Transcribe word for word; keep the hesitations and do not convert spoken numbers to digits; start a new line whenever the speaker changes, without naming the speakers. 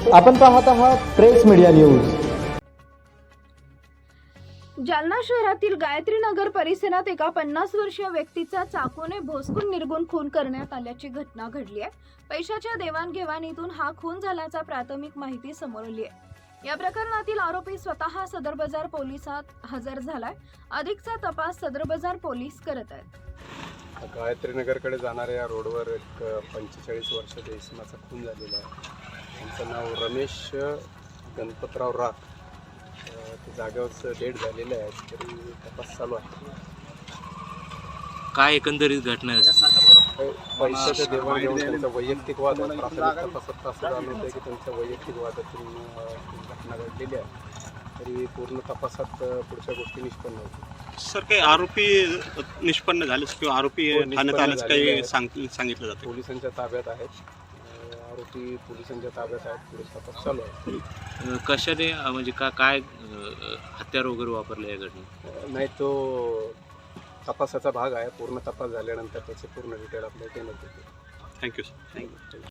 आपण पाहत आहात प्रेस मीडिया न्यूज।
जालना शहरातील गायत्री नगर परिसरात एका पन्नास वर्षीय व्यक्तीचा चाकूने भोसकून निर्गुण खून करण्यात आल्याची घटना घडली आहे। पैशाच्या देवाणघेवाणीतून हा खून झाल्याचा प्राथमिक माहिती समोर आली आहे। या प्रकरणातील आरोपी स्वतः सदर बाजार पोलिसात हजर झालाय। अधिकचा तपास सदर बाजार पोलीस करत आहेत।
गायत्री नगरकडे जाणाऱ्या या रोडवर एक पंचेचाळीस वर्षाच्या इसमाचा खून झालेला आहे। त्यांचं नाव रमेश गणपतराव राख, ते जागेवरच डेट झालेले आहे, तरी तपास चालू आहे।
काय एकंदरीत घटना आहे?
पैशाच्या देवाणघेवाण त्यांचा वैयक्तिक वाद आहे। प्राथमिक तपासात असं जाणवत आहे की त्यांच्या वैयक्तिक वादातून घटना घडलेली आहे, तरी पूर्ण तपासात पुढच्या गोष्टी निष्पन्न होतील।
सर, काही आरोपी निष्पन्न झाले किंवा आरोपी ठाण्यात आल्याचं काही सांगितलं जातं?
पोलिसांच्या ताब्यात आहेत, आरोपी पोलिसांच्या ताब्यात आहेत, पुढे तपास चालू आहे।
कशाने म्हणजे का काय हत्यार वगैरे वापरले या घटनेत?
नाही, तो तपासाचा भाग आहे। पूर्ण तपास झाल्यानंतर त्याचे पूर्ण डिटेल आपल्याला देण्यात येतील।
Thank you sir.
थँक्यू।